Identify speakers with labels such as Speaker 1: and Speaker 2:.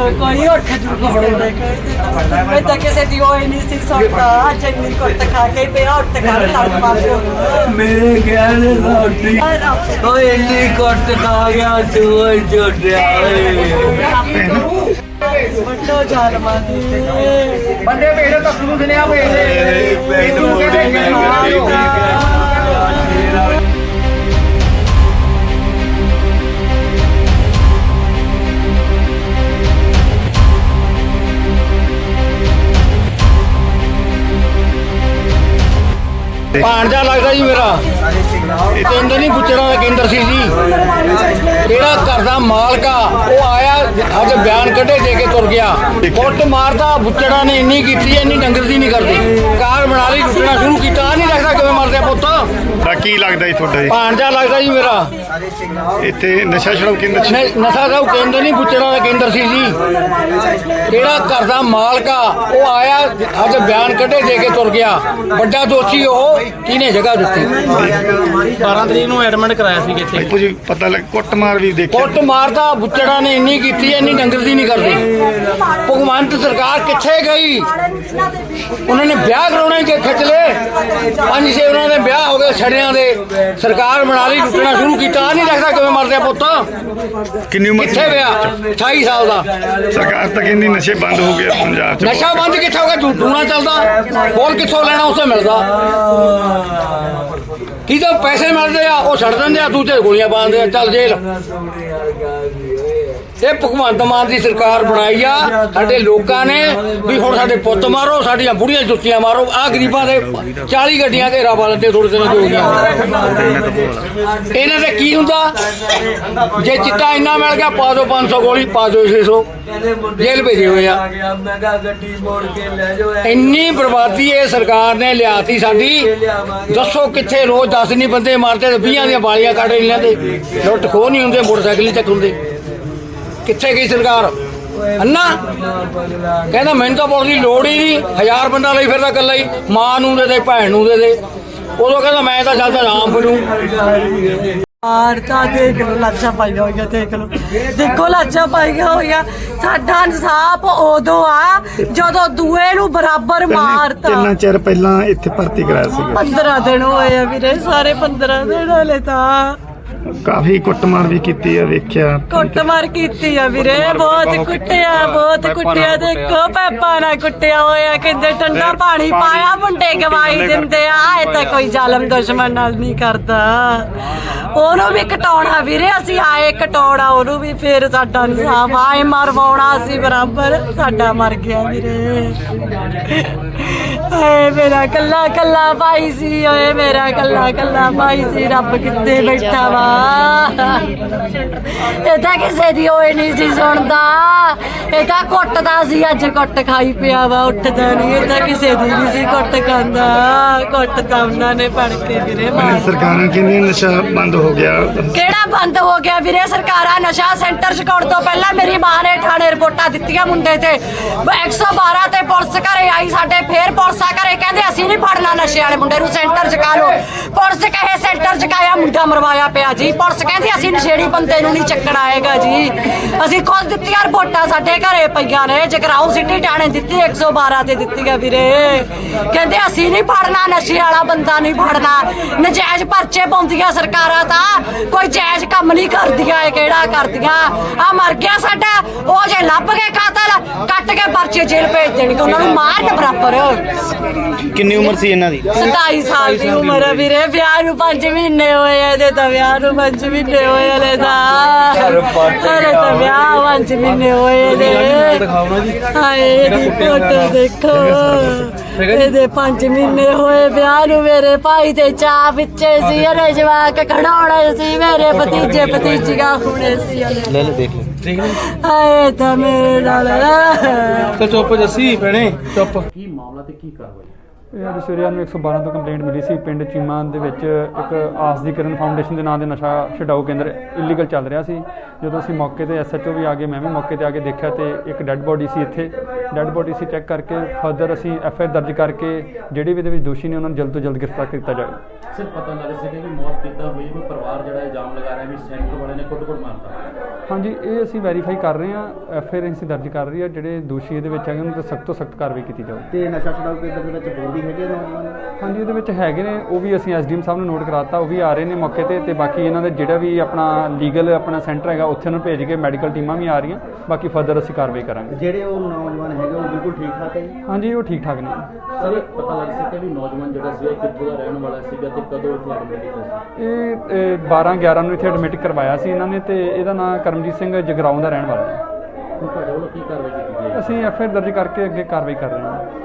Speaker 1: ਕੋਈ ਉੱਠ ਜੂਗਾ ਮੈਂ ਤਾਂ ਕਿਸੇ ਦੀ ਹੋਈ ਨਹੀਂ ਸੀ ਸੁਣਦਾ ਚੰਨੀ ਕੁੱਟ ਖਾ ਕੇ ਪਿਆ ਉੱਠ ਕਰ ਲੜ ਪਾ
Speaker 2: ਮੇਰੇ ਕਹਿਣੇ ਦਾ ਉੱਠੀ ਓਏ ਇੰਨੀ ਕੁੱਟ ਖਾ ਗਿਆ ਤੂੰ ਛੋਟਿਆ
Speaker 1: ਵੱਡੋ ਜ਼ਾਲਮਾਂ ਦੇ
Speaker 3: ਬੰਦੇ ਭੇਜੋ ਤਾਂ ਨੂੰ ਦੁਨੀਆ ਭੇਜਦੇ
Speaker 4: ਭਾਣਜਾ ਲੱਗਦਾ ਜੀ ਮੇਰਾ ਕੇਂਦਰ ਨਹੀਂ ਬੁੱਚੜਾਂ ਦਾ ਕੇਂਦਰ ਸੀ ਜੀ। ਜਿਹੜਾ ਘਰ ਦਾ ਮਾਲਕ ਆ ਉਹ ਆਇਆ ਅੱਜ ਬਿਆਨ ਕੱਢੇ ਦੇ ਕੇ ਤੁਰ ਗਿਆ। ਕੁੱਟ ਮਾਰਦਾ ਬੁੱਚੜਾਂ ਨੇ ਇੰਨੀ ਕੀਤੀ ਇੰਨੀ ਡੰਗਰ ਦੀ ਨਹੀਂ ਕਰਦੀ। ਕਾਰ ਬਣਾ ਲਈ ਲੁੱਟਣਾ ਸ਼ੁਰੂ ਕੀਤਾ ਨਹੀਂ ਲੱਗਦਾ ਕਿਵੇਂ ਮਰਦੇ ਪੁੱਤ
Speaker 5: ਦਾ ਕੀ ਲੱਗਦਾ ਜੀ ਤੁਹਾਡਾ ਜੀ?
Speaker 4: ਭਾਣਜਾ ਲੱਗਦਾ ਜੀ ਮੇਰਾ
Speaker 5: ਇੱਥੇ ਨਸ਼ਾ ਛੁਡਾਊ ਕੇਂਦਰ
Speaker 4: ਨਸ਼ਾ ਛੁਡਾਊ ਕੇਂਦਰ ਨਹੀਂ ਬੁੱਚੜਾਂ ਦਾ ਕੇਂਦਰ ਸੀ ਜੀ। ਜਿਹੜਾ ਘਰ ਦਾ ਮਾਲਕ ਆ ਉਹ ਆਇਆ ਅੱਜ ਬਿਆਨ ਕੱਢੇ ਦੇ ਕੇ ਤੁਰ ਗਿਆ। ਵੱਡਾ ਦੋਸ਼ੀ ਉਹ ਕਿਹਨੇ ਜਗ੍ਹਾ ਦਿੱਤੀ।
Speaker 3: 12 ਤਰੀਕ ਨੂੰ ਐਡਮਿਟ ਕਰਾਇਆ ਸੀ ਇੱਥੇ।
Speaker 5: ਕੁਝ ਪਤਾ ਲੱਗ ਕੁੱਟਮਾਰ ਵੀ ਦੇਖਿਆ।
Speaker 4: ਕੁੱਟ ਮਾਰਦਾ ਬੁੱਚੜਾਂ ਨੇ ਇੰਨੀ ਕੀਤੀ ਇੰਨੀ ਡੰਗਰ ਦੀ ਨਹੀਂ ਕਰਦੀ। ਭਗਵੰਤ ਸਰਕਾਰ ਕਿੱਥੇ ਗਈ? ਉਹਨਾਂ ਨੇ ਵਿਆਹ ਕਰਾਉਣੇ ਕਿ ਖਿੱਚ ਲਏ 5-6 ਉਹਨਾਂ ਦੇ ਵਿਆਹ ਹੋ ਗਏ ਛੜਿਆਂ ਦੇ। ਸਰਕਾਰ ਬਣਾ ਲਈ ਲੁੱਟਣਾ ਸ਼ੁਰੂ ਕੀਤਾ ਨਹੀਂ ਲੱਗਦਾ ਕਿਵੇਂ ਮਰਦੇ ਪੁੱਤ।
Speaker 5: ਕਿੰਨੀ ਉਮਰ
Speaker 4: ਕਿੱਥੇ ਵਿਆਹ 28 ਸਾਲ ਦਾ।
Speaker 5: ਸਰਕਾਰ ਤਾਂ ਕਹਿੰਦੀ ਨਸ਼ੇ ਬੰਦ ਹੋ ਗਏ ਪੰਜਾਬ 'ਚ।
Speaker 4: ਨਸ਼ਾ ਬੰਦ ਕਿੱਥੇ ਹੋ ਗਿਆ? ਟੂਣਾ ਚੱਲਦਾ ਹੋਰ ਕਿੱਥੋਂ ਲੈਣਾ ਉੱਥੇ ਮਿਲਦਾ। ਕਿਹਦੇ ਪੈਸੇ ਮਿਲਦੇ ਆ ਉਹ ਛੱਡ ਦਿੰਦੇ ਆ ਦੂਜੇ ਗੋਲੀਆਂ ਪਾਉਂਦੇ ਆ ਚੱਲ ਜੇਲ੍ਹ। ਇਹ ਭਗਵੰਤ ਮਾਨ ਦੀ ਸਰਕਾਰ ਬਣਾਈ ਆ ਸਾਡੇ ਲੋਕਾਂ ਨੇ ਵੀ ਹੁਣ ਸਾਡੇ ਪੁੱਤ ਮਾਰੋ ਸਾਡੀਆਂ ਬੁੜੀਆਂ ਜੁੱਤੀਆਂ ਮਾਰੋ। ਆਹ ਗਰੀਬਾਂ ਦੇ 40 ਗੱਡੀਆਂ ਘੇਰਾ ਪਾ ਲੈਂਦੇ ਥੋੜੇ ਦਿਨ ਹੋ ਗਿਆ। ਇਹਨਾਂ ਦੇ ਕੀ ਹੁੰਦਾ? ਜੇ ਚਿੱਟਾ ਇੰਨਾ ਮਿਲ ਗਿਆ ਪਾ ਦਿਓ 500 ਗੋਲੀ ਪਾ ਦਿਓ 600 ਜੇਲ੍ਹ ਭੇਜੇ ਹੋਏ ਆ। ਇੰਨੀ ਬਰਬਾਦੀ ਇਹ ਸਰਕਾਰ ਨੇ ਲਿਆਤੀ ਸਾਡੀ। ਦੱਸੋ ਕਿੱਥੇ ਰੋਜ਼ 10 ਨਹੀਂ ਬੰਦੇ ਮਾਰਦੇ ਤੇ 20 ਦੀਆਂ ਬਾਲੀਆਂ ਕੱਢ ਲੈਂਦੇ। ਲੁੱਟ ਖੋਹ ਨਹੀਂ ਹੁੰਦੇ ਮੋਟਰਸਾਈਕਲ ਹੀ ਚੱਕ ਹੁੰਦੇ। ਕਿੱਥੇ ਗਈ ਸਰਕਾਰ? ਅੰਨਾ ਕਹਿੰਦਾ ਮੈਨੂੰ ਤਾਂ ਪੁਲਿਸ ਦੀ ਲੋੜ ਹੀ ਨਹੀਂ। 1000 ਬੰਦਾ ਲਈ ਫਿਰਦਾ ਇਕੱਲਾ ਹੀ। ਮਾਂ ਨੂੰ ਦੇ ਦੇ ਭੈਣ ਨੂੰ ਦੇ ਦੇ। ਉਦੋਂ ਕਹਿੰਦਾ ਮੈਂ ਤਾਂ ਚੱਲਦਾ ਆਰਾਮ ਫਿਰੂ।
Speaker 1: ਤਾਂ ਦੇਖ ਲੋ ਲਾਸ਼ਾਂ ਪਾਈਆਂ ਹੋਈਆਂ ਦੇਖ ਲੋ ਦੇਖੋ ਲਾਸ਼ਾਂ ਪਾਈਆਂ ਹੋਈਆਂ। ਸਾਡਾ ਇਨਸਾਫ ਉਦੋਂ ਆ ਜਦੋਂ ਦੂਏ ਨੂੰ ਬਰਾਬਰ ਮਾਰਤਾ।
Speaker 5: ਕਿੰਨਾ ਚਿਰ ਪਹਿਲਾਂ ਇੱਥੇ ਭਰਤੀ ਕਰਾਇਆ ਸੀ?
Speaker 1: 15 ਦਿਨ ਹੋਏ ਆ ਵੀਰੇ ਸਾਰੇ 15 ਦਿਨ ਹਲੇ ਤਾਂ।
Speaker 5: ਕਾਫੀ ਕੁੱਟਮਾਰ ਵੀ ਕੀਤੀ ਆ ਵੇਖਿਆ।
Speaker 1: ਕੁੱਟਮਾਰ ਕੀਤੀ ਆ ਵੀਰੇ ਬਹੁਤ ਕੁੱਟਿਆ ਦੇਖੋ ਪੈਪਾ ਨਾਲ ਕੁੱਟਿਆ ਹੋਇਆ। ਕਹਿੰਦੇ ਠੰਡਾ ਪਾਣੀ ਪਾਇਆ ਮੁੰਡੇ ਗਵਾਈ ਦਿੰਦੇ ਆ। ਇਹ ਤਾਂ ਕੋਈ ਜ਼ਾਲਮ ਦੁਸ਼ਮਣ ਨਾਲ ਨਹੀਂ ਕਰਦਾ। ਉਹਨੂੰ ਵੀ ਕਟਾਉਣਾ ਵੀਰੇ ਅਸੀਂ ਆਏ ਕਟਾਉਣਾ ਉਹਨੂੰ ਵੀ। ਫਿਰ ਸਾਡਾ ਇਨਸਾਫ ਆਏ ਮਰਵਾਉਣਾ ਸੀ ਬਰਾਬਰ। ਸਾਡਾ ਮਰ ਗਿਆ ਵੀਰੇ। ਏ ਮੇਰਾ ਕੱਲਾ ਕੱਲਾ ਭਾਈ ਸੀ। ਓਏ ਮੇਰਾ ਕੱਲਾ ਕੱਲਾ ਭਾਈ ਸੀ। ਰੱਬ ਕਿੱਥੇ ਬੈਠਾ ਵਾ? ਇਹ ਤਾਂ ਕਿਸੇ ਦੀ ਹੋਏ ਨਹੀਂ ਸੀ ਸੁਣਦਾ। ਇਹ ਤਾਂ ਕੁੱਟਦਾ ਸੀ ਅੱਜ ਕੁੱਟ ਖਾਈ ਪਿਆ ਵਾ ਉੱਠਦਾ ਨਹੀਂ। ਇਹ ਤਾਂ ਕਿਸੇ ਦੀ ਨਹੀਂ ਸੀ ਕੁੱਟ ਖਾਂਦਾ। ਕੁੱਟ ਤਾਂ ਉਹਨਾਂ ਨੇ ਫੜ ਕੇ ਵੀਰੇ ਮਾਰ।
Speaker 5: ਸਰਕਾਰਾਂ ਕਹਿੰਦੀਆਂ ਨਸ਼ਾ ਬੰਦ ਹੋ ਗਿਆ।
Speaker 1: ਕਿਹੜਾ ਬੰਦ ਹੋ ਗਿਆ ਵੀਰੇ? ਸਰਕਾਰਾਂ ਨਸ਼ਾ ਸੈਂਟਰ ਚਕਾਉਣ ਤੋਂ ਪਹਿਲਾਂ ਮੇਰੀ ਮਾਂ ਨੇ ਥਾਣੇ ਰਿਪੋਰਟਾਂ ਦਿੱਤੀਆਂ ਮੁੰਡੇ ਤੇ। 112 ਤੇ ਪੁਲਿਸ ਘਰੇ ਆਈ ਸਾਡੇ। ਫੇਰ ਪੁਲਿਸ ਆ ਘਰੇ ਕਹਿੰਦੇ ਅਸੀਂ ਨਹੀਂ ਫੜਨਾ ਨਸ਼ੇ ਵਾਲੇ ਮੁੰਡੇ ਨੂੰ ਸੈਂਟਰ ਚਕਾ ਲਓ। ਪੁਲਿਸ ਕਹੇ ਸੈਂਟਰ ਚਕਾਇਆ ਮੁੰਡਾ ਮਰਵਾਇਆ ਪਿਆ ਜੀ। ਪੁਲਿਸ ਕਹਿੰਦੀ ਅਸੀਂ ਨਸ਼ੇੜੀ ਬੰਦੇ ਨੂੰ ਨਹੀਂ ਚੱਕਣਾ ਹੈਗਾ ਜੀ। ਅਸੀਂ ਖੁਦ ਦਿੱਤੀਆਂ ਰਿਪੋਰਟਾਂ ਸਾਡੇ ਘਰੇ ਪਈਆਂ ਨੇ। ਜਗਰਾਉਂ ਸਿਟੀ ਥਾਣੇ ਦਿੱਤੀ 112 ਤੇ ਦਿੱਤੀਆਂ ਵੀਰੇ। ਕਹਿੰਦੇ ਅਸੀਂ ਨਹੀਂ ਫੜਨਾ ਨਸ਼ੇ ਵਾਲਾ ਬੰਦਾ ਨਹੀਂ ਫੜਨਾ। ਨਜਾਇਜ਼ ਪਰਚੇ ਪਾਉਂਦੀਆਂ ਸਰਕਾਰਾਂ ਤਾਂ ਕੋਈ ਜਾਇਜ਼ ਕੰਮ ਨਹੀਂ ਕਰਦੀਆਂ। ਇਹ ਕਿਹੜਾ ਕਰਦੀਆਂ? ਆ ਮਰ ਗਿਆ ਸਾਡਾ ਉਹ ਜੇ ਲੱਭ ਕੇ ਕਾਤਲ ਕੱਟ ਕੇ ਪਰਚੇ ਜੇਲ੍ਹ ਭੇਜ ਦੇਣਗੇ। ਉਹਨਾਂ ਨੂੰ ਮਾਰਨ ਬਰਾਬਰ।
Speaker 3: ਕਿੰਨੀ ਉਮਰ ਸੀ ਇਹਨਾਂ ਦੀ?
Speaker 1: 27 ਸਾਲ ਦੀ ਉਮਰ ਹੈ ਵੀਰੇ। ਵਿਆਹ ਨੂੰ 5 ਮਹੀਨੇ ਹੋਏ। ਇਹਦੇ ਤਾਂ ਵਿਆਹ ਨੂੰ 5 ਮਹੀਨੇ ਹੋਏ ਹਲੇ ਤਾਂ। ਹਲੇ ਤਾਂ ਵਿਆਹ 5 ਮਹੀਨੇ ਹੋਏ ਨੇ। ਹਾਏ ਇਹਦੀ ਫੋਟੋ ਦੇਖੋ। ਇਹਦੇ 5 ਮਹੀਨੇ ਹੋਏ ਵਿਆਹ ਨੂੰ। ਮੇਰੇ ਭਾਈ ਤੇ ਚਾਹ ਪਿੱਛੇ ਸੀ। ਹਲੇ ਜਵਾਕ ਖੜਾਉਣੇ ਸੀ। ਮੇਰੇ ਭਤੀਜੇ ਭਤੀਜੀਆਂ ਹੋਣੇ ਸੀ ਹਲੇ।
Speaker 3: ਲੈ ਦੇਖ
Speaker 1: ਹਾਏ ਤਾਂ ਮੇਰੇ ਨਾਲ
Speaker 3: ਤੇ ਚੁੱਪ ਜੱਸੀ ਭੈਣੇ ਚੁੱਪ।
Speaker 6: ਕੀ ਮਾਮਲਾ ਤੇ ਕੀ ਕਾਰਵਾਈ?
Speaker 7: ਇਹ ਅੱਜ ਸਵੇਰੇ ਨੂੰ 112 ਤੋਂ ਕੰਪਲੇਂਟ ਮਿਲੀ ਸੀ। ਪਿੰਡ ਚੀਮਾ ਦੇ ਵਿੱਚ ਇੱਕ ਆਸ ਦੀ ਕਿਰਨ ਫਾਊਂਡੇਸ਼ਨ ਦੇ ਨਾਂ ਦੇ ਨਸ਼ਾ ਛਡਾਊ ਕੇਂਦਰ ਇਲੀਗਲ ਚੱਲ ਰਿਹਾ ਸੀ। ਜਦੋਂ ਅਸੀਂ ਮੌਕੇ ਤੇ SHO ਵੀ ਆ ਗਏ, ਮੈਂ ਵੀ ਮੌਕੇ ਤੇ ਆ ਕੇ ਦੇਖਿਆ ਤੇ ਇੱਕ ਡੈੱਡ ਬੋਡੀ ਸੀ। ਇੱਥੇ ਡੈੱਡ ਬੋਡੀ ਸੀ। ਚੈੱਕ ਕਰਕੇ ਫਰਦਰ ਅਸੀਂ FIR ਦਰਜ ਕਰਕੇ ਜਿਹੜੇ ਵੀ ਇਹਦੇ ਵਿੱਚ ਦੋਸ਼ੀ ਨੇ ਉਹਨਾਂ ਨੂੰ ਜਲਦ ਤੋਂ ਜਲਦ ਗ੍ਰਿਫਤਾਰ ਕੀਤਾ ਜਾਵੇ।
Speaker 6: ਸਿਰ ਪਤਾ ਲੱਗ ਸਕੇ ਵੀ ਮੌਤ ਕਿੱਦਾਂ ਹੋਈ, ਕੋਈ ਪਰਿਵਾਰ ਜਿਹੜਾ ਇਲਜ਼ਾਮ ਲਗਾ ਰਿਹਾ ਵੀ ਸੈਂਟਰ ਵਾਲੇ ਨੇ ਕੁੱਟ-ਕੁੱਟ ਮਾਰਤਾ।
Speaker 7: ਹਾਂਜੀ, ਇਹ ਅਸੀਂ ਵੈਰੀਫਾਈ ਕਰ ਰਹੇ ਹਾਂ, FIR ਅਸੀਂ ਦਰਜ ਕਰ ਰਹੀ ਹੈ। ਜਿਹੜੇ ਦੋਸ਼ੀ ਇਹਦੇ ਵਿੱਚ ਹੈਗੇ ਉਹਨਾਂ 'ਤੇ ਸਖਤ ਤੋਂ ਸਖਤ ਕਾਰਵਾਈ ਕੀਤੀ ਜਾਊ।
Speaker 3: ਤੇ ਨਸ਼ਾ ਛਡਾਊ ਕੇਂਦਰ ਦੇ ਵਿੱਚ ਹੋਰ ਵੀ ਹੈਗੇ ਨੌਜਵਾਨ?
Speaker 7: ਹਾਂਜੀ, ਇਹਦੇ ਵਿੱਚ ਹੈਗੇ ਨੇ, ਉਹ ਵੀ ਅਸੀਂ SDM ਸਾਹਿਬ ਨੂੰ ਨੋਟ ਕਰਾਤਾ, ਉਹ ਵੀ ਆ ਰਹੇ ਨੇ ਮੌਕੇ ਤੇ ਬਾਕੀ ਇਹਨਾਂ ਦੇ ਜਿਹੜਾ ਵੀ ਆਪਣਾ ਲੀਗਲ ਆਪਣਾ ਸੈਂਟਰ ਹੈਗਾ ਉੱਥੇ ਉਹਨੂੰ ਭੇਜ ਕੇ ਮੈਡੀਕਲ ਟੀਮਾਂ ਵੀ ਆ ਰਹੀਆਂ, ਬਾਕੀ ਫਰਦਰ ਅਸੀਂ ਕਾਰਵਾਈ ਕਰਾਂਗੇ।
Speaker 3: ਜਿਹੜੇ ਉਹ ਨੌਜਵਾਨ ਹੈਗੇ ਉਹ ਬਿਲਕੁਲ ਠੀਕ ਠਾਕ ਹੈ ਜੀ?
Speaker 7: ਹਾਂਜੀ, ਉਹ ਠੀਕ ਠਾਕ ਨੇ।
Speaker 6: ਸਰ ਇਹ ਪਤਾ ਲੱਗ ਸਕਿਆ ਵੀ ਨੌਜਵਾਨ ਜਿਹੜਾ ਸੀਗਾ ਕਿੱਥੋਂ ਦਾ ਰਹਿਣ ਵਾਲਾ ਸੀਗਾ ਤੇ ਕਦੋਂ ਇੱਥੇ ਐਡਮਿਟ ਕੀਤਾ ਸੀ?
Speaker 7: ਇਹ 12/11 ਨੂੰ ਇੱਥੇ ਐਡਮਿਟ ਕਰਵਾਇਆ ਸੀ ਇਹਨਾਂ ਨੇ, ਤੇ ਇਹਦਾ ਨਾਮ ਕਰਮਜੀਤ ਸਿੰਘ ਜਗਰਾਉਂ ਦਾ ਰਹਿਣ ਵਾਲਾ ਹੈ।
Speaker 6: ਹੁਣ ਤੁਹਾਡੇ ਵੱਲੋਂ ਕੀ ਕਾਰਵਾਈ ਕੀਤੀ ਗਈ ਹੈ?
Speaker 7: ਅਸੀਂ FIR ਦਰਜ ਕਰਕੇ ਅੱਗੇ ਕਾਰਵਾਈ ਕਰ ਰਹੇ ਹਾਂ।